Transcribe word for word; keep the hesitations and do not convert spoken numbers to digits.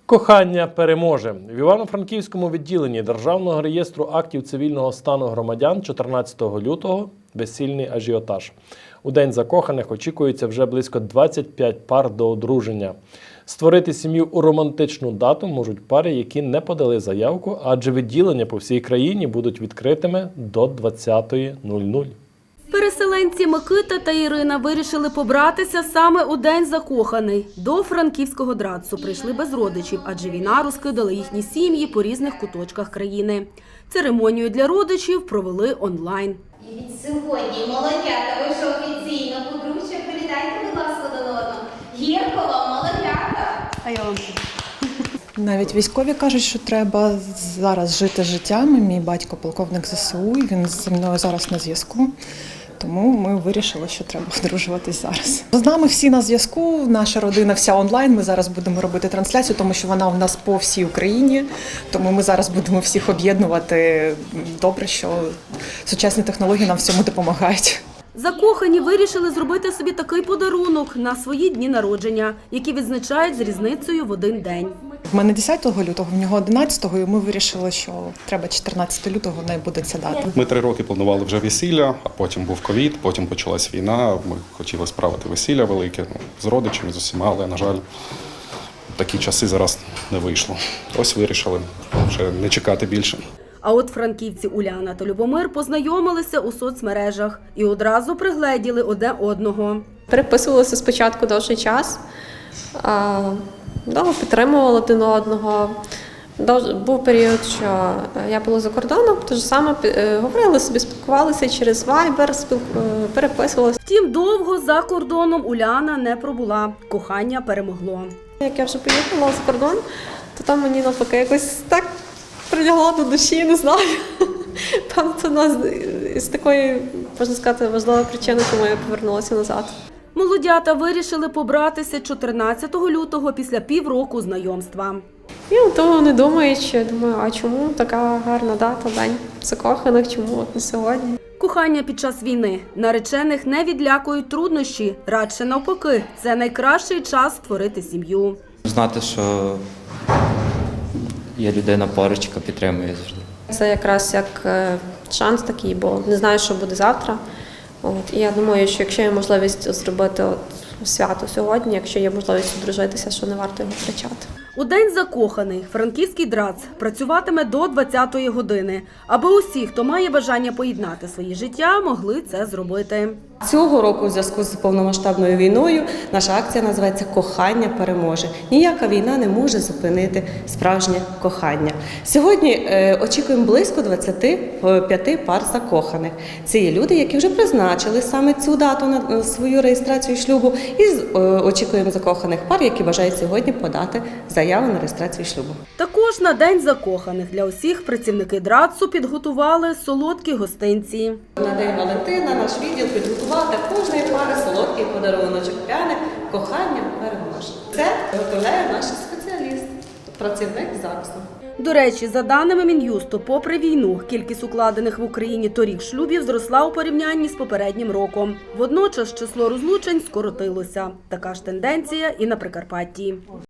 Кохання переможе. В Івано-Франківському відділенні Державного реєстру актів цивільного стану громадян чотирнадцятого лютого весільний ажіотаж. У День закоханих очікується вже близько двадцять п'ять пар до одруження. Створити сім'ю у романтичну дату можуть пари, які не подали заявку, адже відділення по всій країні будуть відкритими до двадцятої нуль-нуль. Переселенці Микита та Ірина вирішили побратися саме у День закоханий. До франківського драцу прийшли без родичів, адже війна розкидала їхні сім'ї по різних куточках країни. Церемонію для родичів провели онлайн. І від сьогодні молодята, ви ж офіційно подружжя, передайте, будь ласка, до одного. Гірко вам, молодята! А я вам. Навіть військові кажуть, що треба зараз жити життям. Мій батько полковник зе се у, і він зі мною зараз на зв'язку. Тому ми вирішили, що треба одружуватись зараз. З нами всі на зв'язку, наша родина вся онлайн. Ми зараз будемо робити трансляцію, тому що вона у нас по всій Україні. Тому ми зараз будемо всіх об'єднувати. Добре, що сучасні технології нам в цьому допомагають. Закохані вирішили зробити собі такий подарунок на свої дні народження, які відзначають з різницею в один день. В мене десятого лютого, в нього одинадцятого, і ми вирішили, що треба чотирнадцятого лютого, не буде ця дата. Ми три роки планували вже весілля, а потім був ковід, потім почалась війна. Ми хотіли справити весілля велике, ну, з родичами, з усіма, але, на жаль, такі часи зараз не вийшло. Ось вирішили вже не чекати більше. А от франківці Уляна та Любомир познайомилися у соцмережах і одразу пригледіли одне одного. Переписувалися спочатку довший час, довго підтримували один одного. Був період, що я була за кордоном, тож саме говорили собі, спілкувалися через Viber, переписувалися. Втім, довго за кордоном Уляна не пробула. Кохання перемогло. Як я вже поїхала за кордон, то там мені навпаки якось так прилягло до душі, не знаю. Певно, це одна з такої, можна сказати, важливої причини, чому я повернулася назад. Молодята вирішили побратися чотирнадцятого лютого після півроку знайомства. І того не думаючи, думаю, а чому така гарна дата, День закоханих, чому от не сьогодні? Кохання під час війни. Наречених не відлякують труднощі. Радше навпаки, це найкращий час створити сім'ю. Знати, що є людина поруч, яка підтримує завжди. Це якраз як шанс такий, бо не знаю, що буде завтра. От, і я думаю, що якщо є можливість зробити от свято сьогодні, якщо є можливість одружитися, що не варто його втрачати. У День закоханий франківський драц працюватиме до двадцятої години, аби усі, хто має бажання поєднати своє життя, могли це зробити. Цього року у зв'язку з повномасштабною війною наша акція називається «Кохання переможе». Ніяка війна не може зупинити справжнє кохання. Сьогодні е, очікуємо близько двадцяти п'яти пар закоханих. Це є люди, які вже призначили саме цю дату на свою реєстрацію шлюбу, і е, очікуємо закоханих пар, які бажають сьогодні подати заяву на реєстрацію шлюбу. Також на День закоханих для усіх працівники драцу підготували солодкі гостинці. На День Валентина наш відділ підготував для кожної пари солодкий подаруночок, пряник «Кохання переможе». Це виготовляє наш спеціаліст, працівник ЗАГСу. До речі, за даними Мін'юсту, попри війну, кількість укладених в Україні торік шлюбів зросла у порівнянні з попереднім роком. Водночас число розлучень скоротилося. Така ж тенденція і на Прикарпатті.